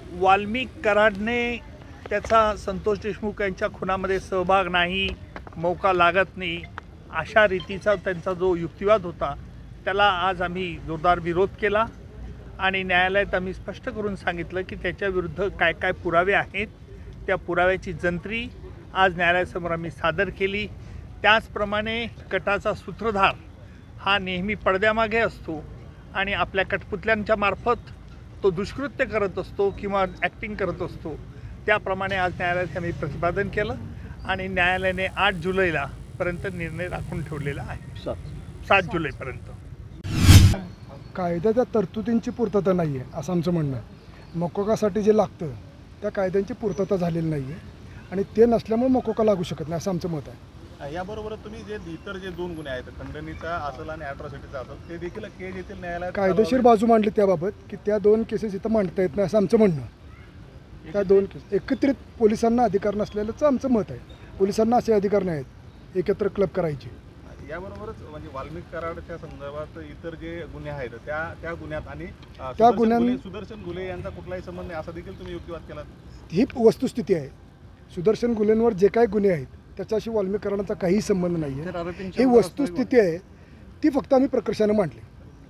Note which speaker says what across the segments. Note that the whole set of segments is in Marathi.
Speaker 1: वाल्मिक कराडने त्याचा संतोष देशमुख यांच्या खुनामध्ये सहभाग नाही, मौका लागत नाही, अशा रीतीचा त्यांचा जो युक्तिवाद होता त्याला आज आम्ही जोरदार विरोध केला आणि न्यायालयात आम्ही स्पष्ट करून सांगितलं की त्याच्याविरुद्ध काय काय पुरावे आहेत, त्या पुराव्याची जंत्री आज न्यायालयासमोर आम्ही सादर केली। त्याचप्रमाणे कटाचा सूत्रधार हा नेहमी पडद्यामागे असतो आणि आपल्या कठपुतल्यांच्या मार्फत तो दुष्कृत्य करत असतो किंवा ॲक्टिंग करत असतो। त्याप्रमाणे आज न्यायालयात आम्ही प्रतिपादन केलं आणि न्यायालयाने 8 जुलैला पर्यंत निर्णय राखून ठेवलेला आहे, 7 जुलैपर्यंत।
Speaker 2: कायद्याच्या तरतुदींची पूर्तता नाही आहे असं आमचं म्हणणं आहे। मकोकासाठी जे लागतं त्या कायद्यांची पूर्तता झालेली नाही आहे आणि ते नसल्यामुळे मकोका लागू शकत नाही असं आमचं मत आहे।
Speaker 3: याबरोबर तुम्ही जे इतर जे 2 गुन्हे आहेत, खंडणीचा असेल आणि ॲट्रॉसिटीचा असेल, ते देखील केज येथील न्यायालयात
Speaker 2: कायदेशीर बाजू मांडली त्याबाबत की त्या 2 केसेस इथं मांडता येत नाही असं आमचं म्हणणं आहे। त्या 2 केस एकत्रित पोलिसांना अधिकार नसलेलंच आमचं मत आहे। पोलिसांना असे अधिकार नाही आहेत एकत्र क्लब करायचे।
Speaker 3: याबरोबरच म्हणजे वाल्मिक कराडच्या संदर्भात इतर जे गुन्हे आहेत त्या गुन्ह्यात आणि सुदर्शन घुले यांचा कुठलाही संबंध नाही असा देखील तुम्ही युक्तिवाद केला।
Speaker 2: ही वस्तुस्थिती आहे। सुदर्शन गुन्ह्यांवर जे काही गुन्हे आहेत त्याच्याशी वाल्मिक कराडांचा काही संबंध नाही आहे। ही वस्तुस्थिती आहे, ती फक्त आम्ही प्रकर्षाने मांडली।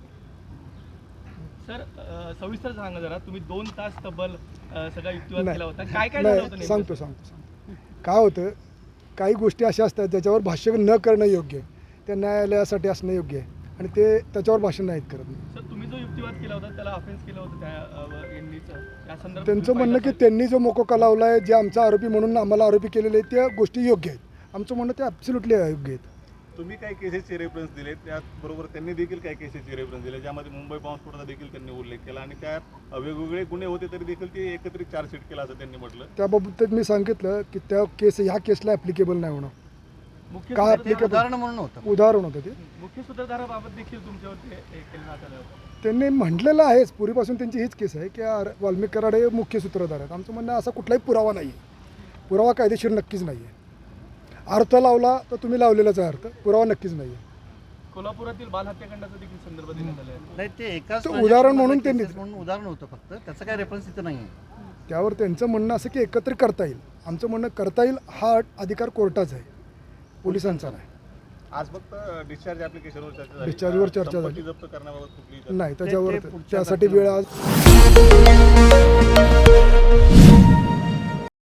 Speaker 4: सर सविस्तर सांगा जरा, तुम्ही 2 तास तब्बल सगळा युक्तिवाद केला होता, काय काय झालं होतं?
Speaker 2: सांगतो काय होतं, काही गोष्टी अशा असतात ज्याच्यावर भाष्य न करणं योग्य आहे, त्या न्यायालयासाठी असणं योग्य आहे आणि ते त्याच्यावर भाष्य नाहीत करत।
Speaker 4: सर तुम्ही जो युक्तिवाद केला होता त्याला ऑफेन्स केलं होतं त्या संदर्भात
Speaker 2: त्यांचं म्हणणं की त्यांनी जो मोकोका लावला आहे, जे आमचा आरोपी म्हणून आम्हाला आरोपी केलेले आहेत त्या गोष्टी योग्य आहेत। आमचं म्हणणं ते ॲब्सोल्युटली अयोग्य आहेत।
Speaker 3: तुम्ही काही केसेसचे रेफरन्स दिले, त्याचबरोबर त्यांनी देखील काही केसेसचे रेफरन्स दिले, ज्यामध्ये मुंबई बॉम्बस्फोटाचा देखील त्यांनी उल्लेख केला आणि त्यात वेगवेगळे गुन्हे होते तरी देखील ते एकत्रित चार्जशीट केला असं त्यांनी म्हटलं।
Speaker 2: त्याबाबत मी सांगितलं की त्या केस ह्या केसला ॲप्लिकेबल नाही होणार। का ॲप्लिकेबल उदाहरण होतं ते
Speaker 4: मुख्य सूत्रधाराबाबत देखील तुमच्यावरती केलं आलं होतं।
Speaker 2: त्यांनी म्हटलेलं आहेच, पूर्वीपासून त्यांची हीच केस आहे की वाल्मिक कराड हे मुख्य सूत्रधार आहेत। आमचं म्हणणं असा कुठलाही पुरावा नाही आहे, पुरावा कायदेशीर नक्कीच नाही आहे। अर्थ लावला तर तुम्ही लावलेलाच आहे अर्थ, पुरावा नक्कीच नाही आहे।
Speaker 4: कोल्हापुरातील बाल हत्याकांडाचा देखील संदर्भ देण्यात आला आहे।
Speaker 5: नाही, ते एकाच
Speaker 2: उदाहरण म्हणून त्यांनी
Speaker 5: उदाहरण होतं, फक्त त्याचं काय रेफरन्स इथं नाही आहे।
Speaker 2: त्यावर त्यांचं म्हणणं असं की एकत्र करता येईल। आमचं म्हणणं करता येईल हा अधिकार कोर्टाचा आहे, पोलिसांचा नाही।
Speaker 3: आज फक्त डिस्चार्ज ॲप्लिकेशनवर चर्चा झाली,
Speaker 2: डिस्चार्जवर चर्चा झाली
Speaker 3: जप्त करण्याबाबत कुठली
Speaker 2: नाही, त्याच्यावर त्यासाठी वेळ आज